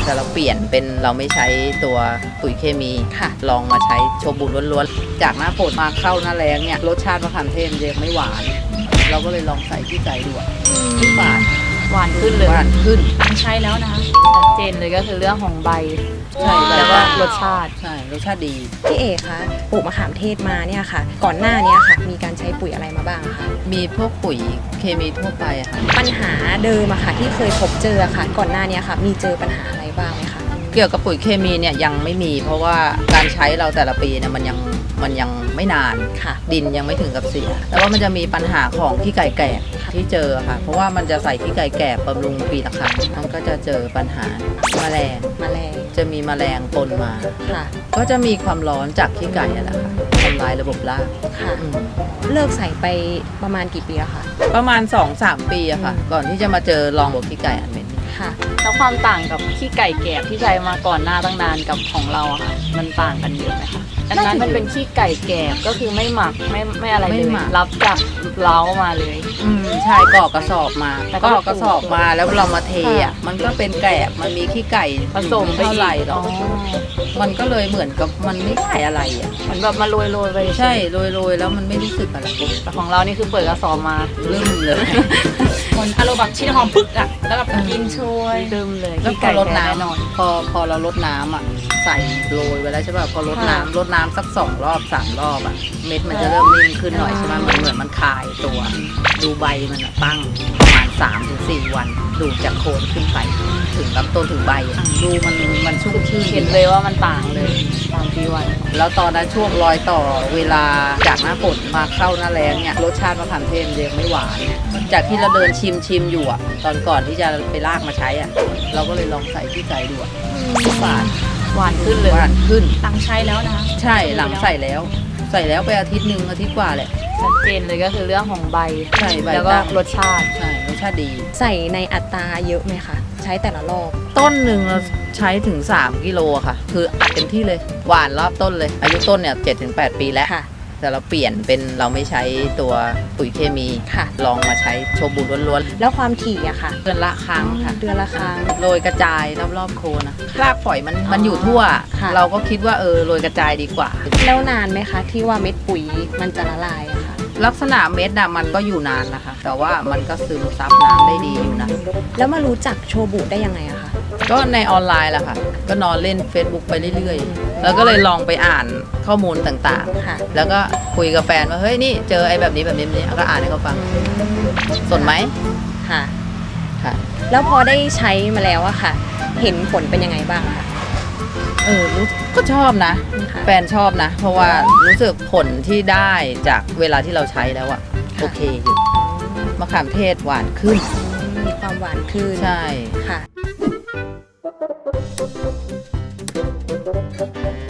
แต่เราเปลี่ยนเป็นเราไม่ใช้ตัวปุ๋ยเคมีค่ะลองมาใช้โชบุล้วนๆจากหน้าฝนมาเข้าหน้าแล้งเนี่ยรสชาติมะขามเทศยังไม่หวานเราก็เลยลองใส่ที่ใจดูที่ฝาดหวานขึ้นเลยหวานขึ้นใช้แล้วนะคะชัดเจนเลยก็คือเรื่องของใบใช่แล้วก็รสชาติใช่รสชาติดีพี่เอกคะปลูกมะขามเทศมาเนี่ยค่ะก่อนหน้านี้ค่ะมีการใช้ปุ๋ยอะไรมาบ้างคะมีพวกปุ๋ยเคมีทั่วไปอะค่ะปัญหาเดิมอะค่ะที่เคยพบเจอค่ะก่อนหน้านี้ค่ะมีเจอปัญหาอะไรบ้างไหมคะเกี่ยวกับปุ๋ยเคมีเนี่ยยังไม่มีเพราะว่าการใช้เราแต่ละปีเนี่ยมันยังไม่นานค่ะดินยังไม่ถึงกับเสียแต่ว่ามันจะมีปัญหาของขี้ไก่แก่ที่เจอค่ะเพราะว่ามันจะใส่ขี้ไก่แก่บำรุงปีละครั้งมันก็จะเจอปัญหาแมลงจะมีแมลงปนมาค่ะก็จะมีความร้อนจากขี้ไก่นั่นแหละค่ะทำลายระบบรากค่ะเลิกใส่ไปประมาณกี่ปีแล้วคะประมาณ 2-3 ปีอะค่ะก่อนที่จะมาเจอลองบวกขี้ไก่อันเหม็นค่ะแล้วความต่างกับขี้ไก่แก่ที่ใช้มาก่อนหน้าตั้งนานกับของเราอะค่ะมันต่างกันเยอะไหมคะอันนั้นมันเป็นขี้ไก่แก่ก็คือไม่หมักไม่อะไรเลยรับจากเล้ามาเลยใช่ก่อกระสอบมาก็กระสอบมาแล้วเรามาเทอ่ะมันก็เป็นแกลบมันมีขี้ไก่ผสมเท่าไหร่หรอกมันก็เลยเหมือนกับมันไม่ได้อะไรอ่ะเหมือนแบบมาโรยไปใช่โรยแล้วมันไม่รู้สึกอะไรแต่ของเรานี่คือเปิดกระสอบมาลืมเลยคนอารมณ์แบบชิ้นหอมปึ๊กอ่ะแล้วแบบกินช่วยลืมเลยแล้วพอรดน้ำพอเรารดน้ำอ่ะใส่โรยไว้แล้วใช่ป่ะพอรดน้ำสัก2 รอบ 3 รอบอ่ะเม็ดมันจะเริ่มนิ่มขึ้นหน่อยใช่ไหมเหมือนมันคายตัวดูใบมันตั้งประมาณ 3-4 วันดูจากโคนขึ้นไปถึงลำต้นถึงใบดูมันชุ่มชื่นเห็นเลยว่ามันต่างเลย3-4 วันแล้วตอนนั้นช่วงรอยต่อเวลาจากหน้าฝนมาเข้าหน้าแล้งเนี่ยรสชาติมะขามเทศยังไม่หวานจากที่เราเดินชิมอยู่อ่ะตอนก่อนที่จะไปลากมาใช้อ่ะเราก็เลยลองใส่ที่ใจดูที่ฝาดหวานขึ้นเลยหวานขึ้นหลังใช้แล้วนะใช่หลังใส่แล้วไปอาทิตย์กว่าแหละชัดเจนเลยก็คือเรื่องของใบใช่ใบแล้วก็รสชาติใช่รสชาติดีใส่ในอัตราเยอะไหมคะใช้แต่ละรอบต้นหนึ่งเราใช้ถึง3 กิโลค่ะคืออัดเต็มที่เลยหวานรอบต้นเลยอายุต้นเนี่ย7-8 ปีแล้วแต่เราเปลี่ยนเป็นเราไม่ใช้ตัวปุ๋ยเคมีค่ะลองมาใช้โชบุล้วนๆแล้วความถี่อะค่ะเดือนละครั้งค่ะเดือนละครั้งโรยกระจายรอบๆโคนนะรากฝอยมันอยู่ทั่วเราก็คิดว่าโรยกระจายดีกว่าแล้วนานไหมคะที่ว่าเม็ดปุ๋ยมันจะละลายอะค่ะลักษณะเม็ดน่ะมันก็อยู่นานนะคะแต่ว่ามันก็ซึมซับน้ำได้ดีอยู่นะแล้วมารู้จักโชบุได้ยังไงอะคะก็ในออนไลน์แหละค่ะก็นอนเล่น Facebook ไปเรื่อยๆแล้วก็เลยลองไปอ่านข้อมูลต่างๆแล้วก็คุยกับแฟนว่าเฮ้ยนี่เจอไอ้แบบนี้ก็อ่านให้เขาฟังสนไหมค่ะแล้วพอได้ใช้มาแล้วอะค่ะเห็นผลเป็นยังไงบ้างคะรู้ก็ชอบนะแฟนชอบนะเพราะว่ารู้สึกผลที่ได้จากเวลาที่เราใช้แล้วอะโอเคอยู่มะขามเทศหวานขึ้นมีความหวานขึ้นใช่ค่ะ